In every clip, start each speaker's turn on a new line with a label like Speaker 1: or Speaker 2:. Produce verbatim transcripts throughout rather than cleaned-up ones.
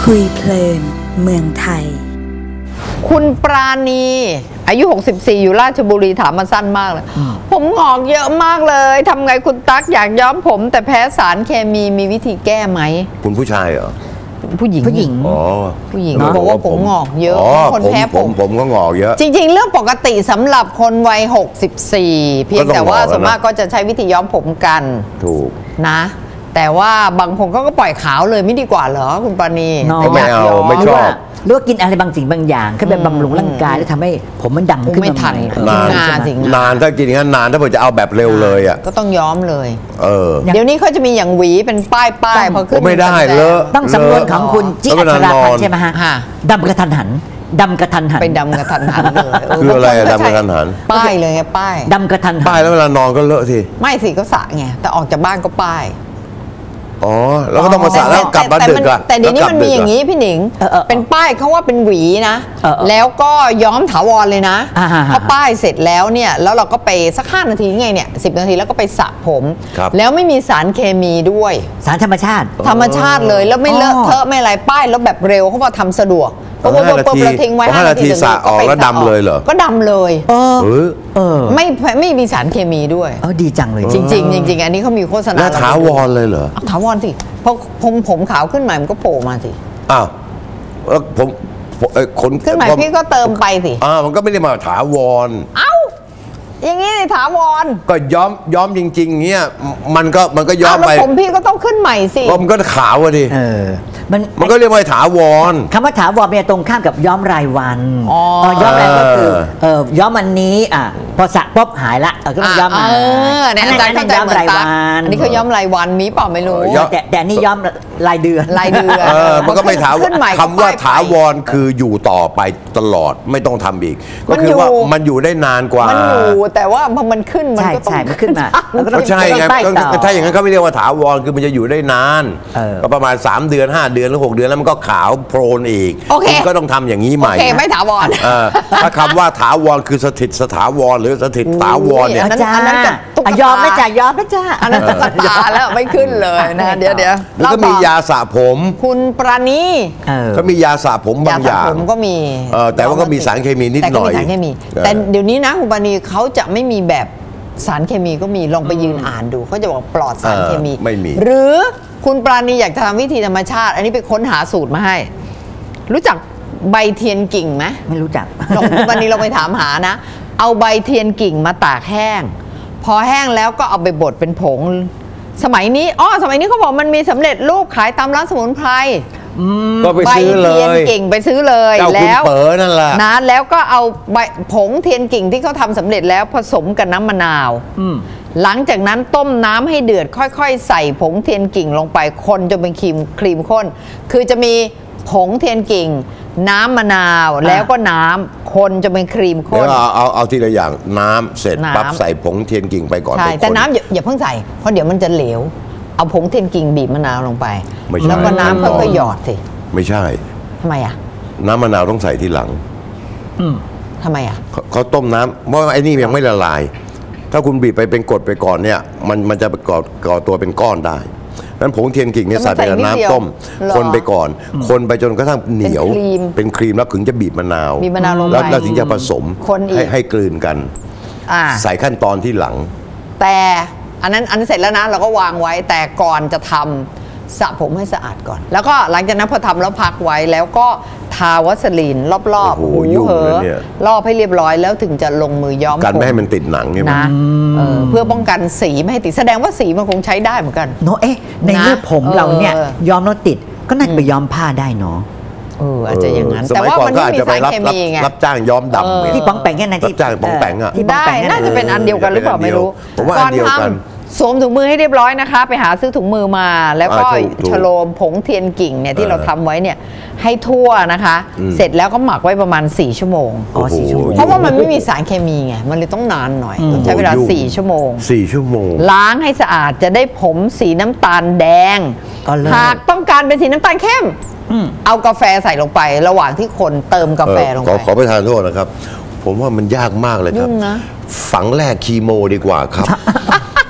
Speaker 1: คุยเพลินเมืองไทย
Speaker 2: คุณปราณีอายุหกสิบสี่อยู่ราชบุรีถามมาสั้นมากเลยผมงอกเยอะมากเลยทำไงคุณตั๊กอยากย้อมผมแต่แพ้สารเคมีมีวิธีแก้ไหม
Speaker 3: คุณผู้ชายเหรอ
Speaker 2: ผู้หญิง
Speaker 1: ผู้หญิง
Speaker 3: อ๋อ
Speaker 2: ผู้หญิงบอกว่าผมงอกเยอะคนแพ้ผม
Speaker 3: ผมก็งอกเยอะ
Speaker 2: จริงๆเรื่องปกติสำหรับคนวัยหกสิบสี่เพียงแต่ว่าส่วนมากก็จะใช้วิธีย้อมผมกัน
Speaker 3: ถูก
Speaker 2: นะแต่ว่าบางคนก็ปล่อยขาวเลยไม่ดีกว่าเหรอคุณปราณี
Speaker 3: ไม่เอาไม่ชอบ
Speaker 1: หรือว่ากินอะไรบางสิ่งบางอย่างขึ้นไปบำรุงร่างกายแล้วทำให้ผมมันดำขึ้นมาใหม่
Speaker 3: นานนานถ้ากินงั้นนานถ้าเผื่อจะเอาแบบเร็วเลยอ่ะ
Speaker 2: ก็ต้องย้อมเลย
Speaker 3: เออ
Speaker 2: เดี๋ยวนี้เขาจะมีอย่างหวีเป็นป้ายป้ายพอขึ้น
Speaker 3: ไม่ได้เลอะ
Speaker 1: ต้องสำนวนของคุณจิอัชราพันธ์ใช่ไหมฮะดำกระทันหันดำกระทันหัน
Speaker 2: ไปดำกระทันหันเลย
Speaker 3: คืออะไรดำกระทันหัน
Speaker 2: ป้ายเลยไงป้าย
Speaker 1: ดำกระทันหัน
Speaker 3: ป้ายแล้วเวลานอนก็เลอะที
Speaker 2: ไม่สิก็สระไงแต่ออกจากบ้านก็ป้าย
Speaker 3: อ๋อแล้วก็ต้องมาสระแล้วกลับมาดึกอะ
Speaker 2: แต่เดี๋ยวนี้มันมีอย่างนี้พี่หนิงเป็นป้ายเขาว่าเป็นหวีนะแล้วก็ย้อมถาวรเลยนะพอป้ายเสร็จแล้วเนี่ยแล้วเราก็ไปสักห้านาทีไงเนี่ยสิบนาทีแล้วก็ไปสระผมแล้วไม่มีสารเคมีด้วย
Speaker 1: สารธรรมชาติ
Speaker 2: ธรรมชาติเลยแล้วไม่เลอะเทอะไม่อะไรป้ายแล้วแบบเร็วเขาบอกทำสะดวกก็ปุ๊บปุ๊บเราทิ้งไว้ห้านาที
Speaker 3: สระออกแล้วดำเลยเหรอ
Speaker 2: ก็ดำเลย
Speaker 1: เออเออ
Speaker 2: ไม่ไม่มีสารเคมีด้วย
Speaker 1: เออดีจังเลย
Speaker 2: จริงจริงจริงอันนี้เขามีโฆษณา
Speaker 3: ถาวรเลยเหรอ
Speaker 2: ถาวรสิเพราะผมผมขาวขึ้นใหม่มันก็โผล่มาสิ
Speaker 3: อ้าวแล้วผมคน
Speaker 2: ขึ้นใหม่พี่ก็เติมไปสิ
Speaker 3: อ่ามันก็ไม่ได้มาถาวร
Speaker 2: เอ้าอย่างนี้ถาวร
Speaker 3: ก็ย้อมย้อมจริงๆเงี้ยมันก็มันก็ย้อมไป
Speaker 2: ผมพี่ก็ต้องขึ้นใหม่สิ
Speaker 3: มันก็ขาวดิ
Speaker 1: เออ
Speaker 3: มันมันก็เรียกว่าถาวร
Speaker 1: คำว่าถาวรเป็นตรงข้ามกับย้อมรายวันอ๋อย้อมรายก็คือเออย้อมวันนี้อ่ะพอสระปุ๊บหายละเออก็ต้องย้อมมา
Speaker 2: เออเนี่ยอาจารย์เข้าใจเหมือนตั๊กอันนี้เขาย้อมรายวันมีเปล่าไม่รู้
Speaker 1: แต่แต่นี่ย้อมรายเดือน
Speaker 2: รายเดือน
Speaker 3: เออมันก็ไม่ถาวรคำว่าถาวรคืออยู่ต่อไปตลอดไม่ต้องทำอีกก็คือว่ามันอยู่ได้นานกว่า
Speaker 2: มันอยู่แต่ว่าพอมันขึ้นมันก็ต้อง
Speaker 1: ขึ้นมา
Speaker 3: ก็ใช่ไงถ้าอย่างนั้นเขาไม่เรียกว่าถาวรคือมันจะอยู่ได้นานก็ประมาณสามเดือนห้าเดือนหรือหกเดือนแล้วมันก็ขาวโพลนอีกคุณก็ต้องทำอย่างนี้ใหม่
Speaker 2: โอเคไม่ถาวร
Speaker 3: ถ้าคำว่าถาวรคือสถิตสถาวรหรือสถิตถาวรเนี่ย
Speaker 1: อันนั้นยอมไม่จ่ายยอมไม่จ่า
Speaker 2: อันนั้นตุ๊กตาแล้วไม่ขึ้นเลยนะเดี๋ยวเดี๋ยว
Speaker 3: แล้วก็มียาสระผม
Speaker 2: คุณปราณี
Speaker 3: ก็มียาสระผมบางอย่าง
Speaker 2: ผมก็มี
Speaker 3: แต่ว่าก็มีสารเคมีนิดหน่อย
Speaker 2: แต่ก็มีสารเคมีแต่เดี๋ยวนี้นะคุณปราณีเขาจะไม่มีแบบสารเคมีก็มีลองไปยืนอ่านดูเขาจะบอกปลอดสารเคมี
Speaker 3: ไม่มี
Speaker 2: หรือคุณปราณีอยากจะทำวิธีธรรมชาติอันนี้ไปค้นหาสูตรมาให้รู้จักใบเทียนกิ่งไหม
Speaker 1: ไม่รู้จัก
Speaker 2: ลองวันนี้เราไปถามหานะเอาใบเทียนกิ่งมาตากแห้งพอแห้งแล้วก็เอาไปบดเป็นผงสมัยนี้อ๋อสมัยนี้เขาบอกมันมีสำเร็จรูปขายตามร้านสมุนไพร
Speaker 3: ก็ไปซื้อเลย
Speaker 2: ใบเทียนกิ่งไปซื้อเลย
Speaker 3: แล้วเป๋อนั่นแหละ
Speaker 2: นะแล้วก็เอาใบผงเทียนกิ่งที่เขาทำสำเร็จแล้วผสมกับน้ำมะนาวหลังจากนั้นต้มน้ำให้เดือดค่อยๆใส่ผงเทียนกิ่งลงไปคนจนเป็นครีมครีมข้นคือจะมีผงเทียนกิ่งน้ำมะนาวแล้วก็น้ำคนจะเป็นครีมข้น
Speaker 3: เอาเอาเอาทีละอย่างน้ำเสร็จปั๊บใส่ผงเทียนกิ่งไปก่อน
Speaker 2: ใช่แต่น้ำอย่าเพิ่งใส่เพราะเดี๋ยวมันจะเหลวเอาผงเทียนกิ่งบีบมะนาวลงไปแล้วก็น้ำค่อยๆหยอดสิ
Speaker 3: ไม่ใช่
Speaker 2: ทำไมอ่ะ
Speaker 3: น้ำมะนาวต้องใส่ทีหลัง
Speaker 2: ทำไมอ่ะ
Speaker 3: เขาต้มน้ำเพราะไอ้นี่ยังไม่ละลายถ้าคุณบีบไปเป็นกรดไปก่อนเนี่ยมันมันจะก่อก่อตัวเป็นก้อนได้นั้นผงเทียนกิ่งเนี่ยใส่ไปในน้ำต้มคนไปก่อนคนไปจนกระทั่งเหนียวเป็นครีมแล้วถึงจะบีบมะนาวแล้วถึงจะผสมให้ให้กลืนกันใส่ขั้นตอนที่หลัง
Speaker 2: แต่อันนั้นอันเสร็จแล้วนะเราก็วางไว้แต่ก่อนจะทำสระผมให้สะอาดก่อนแล้วก็หลังจากนั้นพอทำแล้วพักไว้แล้วก็ทาวัสลีนรอบๆหูเหอรอบให้เรียบร้อยแล้วถึงจะลงมือย้อม
Speaker 3: กันไม่ให้มันติดหนังใช่ไหม
Speaker 2: นะเพื่อป้องกันสีไม่ให้ติดแสดงว่าสีมันคงใช้ได้เหมือนกัน
Speaker 1: เนาะเอ๊ะในเมื่อผมเราเนี่ยย้อมแล้วติดก็น่าจะไปย้อมผ้าได้เนาะ
Speaker 2: เอออาจจะอย่างนั้นแต่ว่ามันไม่มีสารเคมีไง
Speaker 3: รับจ้างย้อมดำ
Speaker 1: ที่ป้องแปงแค่ไหนที่
Speaker 3: จ้างป้องแปงอ่ะ
Speaker 2: ได้น่าจะเป็นอันเดียวกันหรือเปล่าไม่รู้
Speaker 3: ก่อนทำ
Speaker 2: สวมถุงมือให้เรียบร้อยนะคะไปหาซื้อถุงมือมาแล้วก็ฉโลมผงเทียนกิ่งเนี่ยที่เราทำไว้เนี่ยให้ทั่วนะคะเสร็จแล้วก็หมักไว้ประมาณสี่ชั่วโมง
Speaker 1: อ๋อสี่ชั่วโมง
Speaker 2: เพราะว่ามันไม่มีสารเคมีไงมันเลยต้องนานหน่อยใช้เวลาสี่ชั่วโมง
Speaker 3: สี่ชั่วโมง
Speaker 2: ล้างให้สะอาดจะได้ผมสีน้ำตาลแดงหากต้องการเป็นสีน้ำตาลเข้มเอากาแฟใส่ลงไประหว่างที่คนเติมกาแฟลงไป
Speaker 3: ขอประทานโทษนะครับผมว่ามันยากมากเลยครับฝังแรกคีโมดีกว่าครับ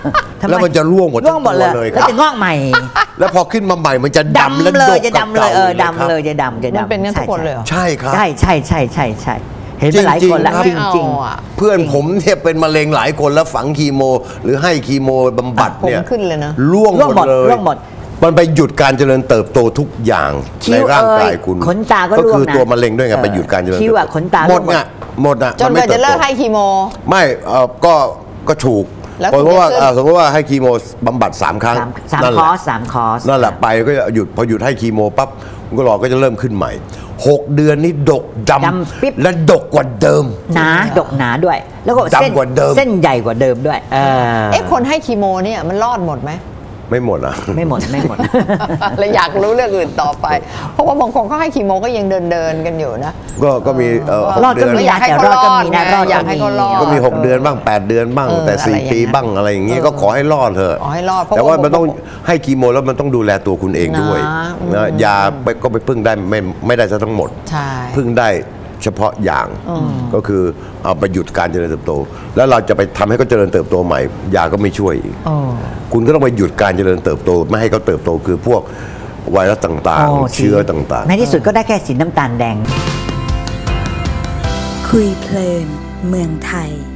Speaker 1: ทำไ
Speaker 3: แล้วมันจะร่วงหมด
Speaker 1: ร่วงหมดเลย
Speaker 3: ทั้งตัวเลยค
Speaker 1: แล้
Speaker 3: รับ
Speaker 1: วจะงอกใหม่
Speaker 3: แล้วพอขึ้นมาใหม่มันจะดำและ
Speaker 1: ดำเล
Speaker 3: ด
Speaker 1: ย
Speaker 3: ก
Speaker 1: จะ
Speaker 3: กับ
Speaker 1: ดำเลย
Speaker 3: เก่า
Speaker 1: เออ
Speaker 3: เลยครับ
Speaker 1: ดำเลยจะดำจะดำ
Speaker 2: มันเป็นงั้นทุกคนเลยเหรอ
Speaker 3: ใช่ครับ
Speaker 1: ใช่ใช่ใช่ใช่ใช่เห็นมาหลายคนแล้ว
Speaker 3: จ
Speaker 1: จ
Speaker 3: ริ
Speaker 1: ริ
Speaker 3: ง
Speaker 1: ง
Speaker 3: ๆ
Speaker 1: จริง
Speaker 2: เอาอะ
Speaker 3: เพื่อนผมเนี่ยเป็นมะเร็งหลายคนแล้วฝังคีโม หรือให้คีโมบำบัดเนี่ย
Speaker 2: ผมขึ้นเลยนะ
Speaker 3: ร่วง
Speaker 1: ร่วง
Speaker 3: ห
Speaker 1: ห
Speaker 3: ม
Speaker 1: ม
Speaker 3: ด
Speaker 1: ด
Speaker 3: เลย
Speaker 1: ร่วงหมด
Speaker 3: มันไปหยุดการเจริญเติบโตทุกอย่าง
Speaker 1: คิ้
Speaker 3: ใน
Speaker 1: ว
Speaker 3: ร่างกาย
Speaker 1: เอ่ย
Speaker 3: คุณ
Speaker 1: ขนตาก็
Speaker 3: ก็
Speaker 1: ร่วง
Speaker 3: คือ
Speaker 1: นะ
Speaker 3: ตัวมะเร็งด้วยไง
Speaker 1: เออ
Speaker 3: ไปหยุดการเจริญ
Speaker 1: คิ้วอะ
Speaker 3: เติบโต
Speaker 1: ขนตา
Speaker 3: หมด
Speaker 1: ร่วงหมด
Speaker 3: เนี่ยหมดอะ
Speaker 2: จน
Speaker 3: มั
Speaker 2: กว่าจะเลิก
Speaker 3: ติบโต
Speaker 2: ให้คีโม
Speaker 3: ไม่เอ่อก็ก็ถูก
Speaker 2: แล้ว
Speaker 3: เพราะว่า
Speaker 2: คุณจะขึ้น
Speaker 3: เอ่อสมมติว่าให้คีโมบำบัดสามครั้ง
Speaker 1: สามสาม
Speaker 3: นั่น
Speaker 1: ค
Speaker 3: แห
Speaker 1: อ
Speaker 3: ละ
Speaker 1: ร์สสามคอร์ส
Speaker 3: นั่นแหละไปก็จะหยุดพอหยุดให้คีโมปั๊บคุณก็รอก็จะเริ่มขึ้นใหม่หกเดือนนี้ดกด
Speaker 1: ดำปิ๊บ
Speaker 3: ำและดกกว่าเดิม
Speaker 1: หนาดกหนาด้วย แล้วก็เส้น
Speaker 3: ดำกว่าเดิม
Speaker 1: เส้นใหญ่กว่าเดิมด้วยเออ
Speaker 2: เอ๊ะคนให้คีโมเนี่ยมันรอดหมดไหม
Speaker 3: ไม่หมดอ่ะ
Speaker 1: ไม่หมดไม่หมด
Speaker 2: เลยอยากรู้เรื่องอื่นต่อไป เพราะว่าบางคนเขาให้คีโมก็ยังเดินเดินๆกันอยู่นะ
Speaker 3: ก็ก็มีเอ่อห
Speaker 1: รอก ด
Speaker 3: เดื
Speaker 1: ก็
Speaker 3: อน
Speaker 1: มี
Speaker 2: อยาก
Speaker 1: นะ
Speaker 2: ให้
Speaker 1: แต่
Speaker 2: เขา
Speaker 1: รอดก็มีนะ
Speaker 2: รอดไง
Speaker 1: รอด
Speaker 2: อยากให้เขารอด
Speaker 3: ก็มีหกเดือนบ้างแปดเดือนบ้าง
Speaker 2: เออ
Speaker 3: แต่สี่
Speaker 2: อะไรอย่างเงี้ย
Speaker 3: ปีบ้างอะไรอย่างเงี้ยก็ขอให้รอดเถอะ
Speaker 2: ขอให้รอดเพราะ
Speaker 3: แต่ว่า
Speaker 2: ว่า
Speaker 3: มันต้องให้คีโมแล้วมันต้องดูแลตัวคุณเองด้วย
Speaker 2: นะอืม
Speaker 3: นะยาไปก็ไปพึ่งได้ไม่ไม่ได้ซะทั้งหมด
Speaker 2: ใช่
Speaker 3: พึ่งได้เฉพาะอย่างก็คือเอาไปหยุดการเจริญเติบโต แล้วเราจะไปทำให้เขาเจริญเติบโตใหม่ยาก็ไม่ช่วยอีก
Speaker 2: อ๋อ
Speaker 3: คุณก็ต้องไปหยุดการเจริญเติบโตไม่ให้เขาเติบโตคือพวกไวรัสต่าง
Speaker 1: โ
Speaker 3: ๆ เชื้อต่างๆ
Speaker 1: ในที่สุดก็ได้แค่สีน้ำตาลแดง
Speaker 4: คุยเพลินเมืองไทย